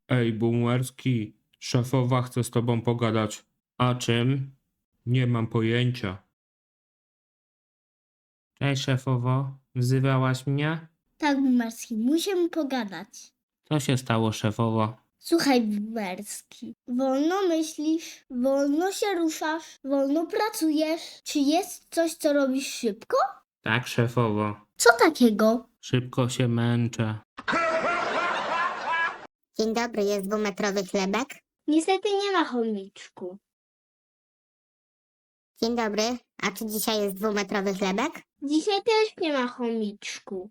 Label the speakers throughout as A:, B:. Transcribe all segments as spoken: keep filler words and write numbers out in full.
A: Ej, Boomerski, szefowa chce z tobą pogadać. A czym? Nie mam pojęcia. Cześć, szefowo. Wzywałaś mnie?
B: Tak, Bumerski, musimy pogadać.
A: Co się stało, szefowo?
B: Słuchaj, Bumerski, wolno myślisz, wolno się ruszasz, wolno pracujesz. Czy jest coś, co robisz szybko?
A: Tak, szefowo.
B: Co takiego?
A: Szybko się męczę.
C: Dzień dobry, jest dwumetrowy chlebek?
B: Niestety nie ma, chomiczku.
C: Dzień dobry, a czy dzisiaj jest dwumetrowy chlebek?
B: Dzisiaj też nie ma, chomiczku.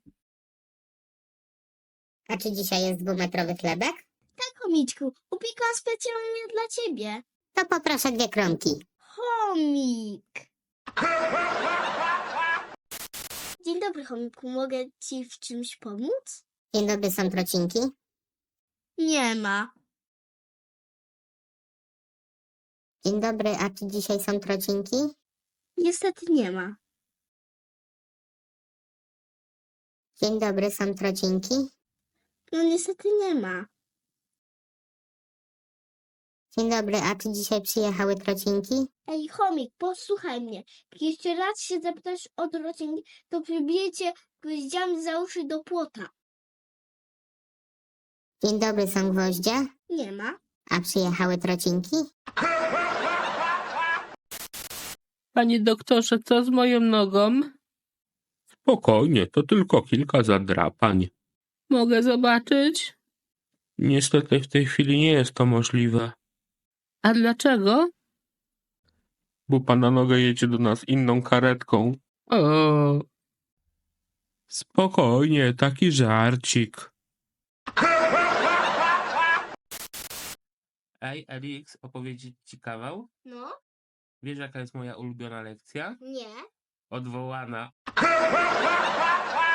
C: A czy dzisiaj jest dwumetrowy chlebek?
B: Tak, chomiczku, upiekłam specjalnie dla ciebie.
C: To poproszę dwie kromki.
B: Chomik. Dzień dobry, chomiku, mogę ci w czymś pomóc?
C: Dzień dobry, są trocinki?
B: Nie ma.
C: Dzień dobry, a czy dzisiaj są trocinki?
B: Niestety nie ma.
C: Dzień dobry, są trocinki?
B: No niestety nie ma.
C: Dzień dobry, a czy dzisiaj przyjechały trocinki?
B: Ej, chomik, posłuchaj mnie. Jak jeszcze raz się zapytasz o trocinki, to przybiję cię gwoździami za uszy do płota.
C: Dzień dobry, są gwoździe?
B: Nie ma.
C: A przyjechały trocinki?
A: Panie doktorze, co z moją nogą? Spokojnie, to tylko kilka zadrapań. Mogę zobaczyć? Niestety w tej chwili nie jest to możliwe. A dlaczego? Bo pana noga jedzie do nas inną karetką. O. Spokojnie, taki żarcik. Ej, Elix, opowiedzieć ci kawał?
B: No?
A: Wiesz, jaka jest moja ulubiona lekcja?
B: Nie.
A: Odwołana.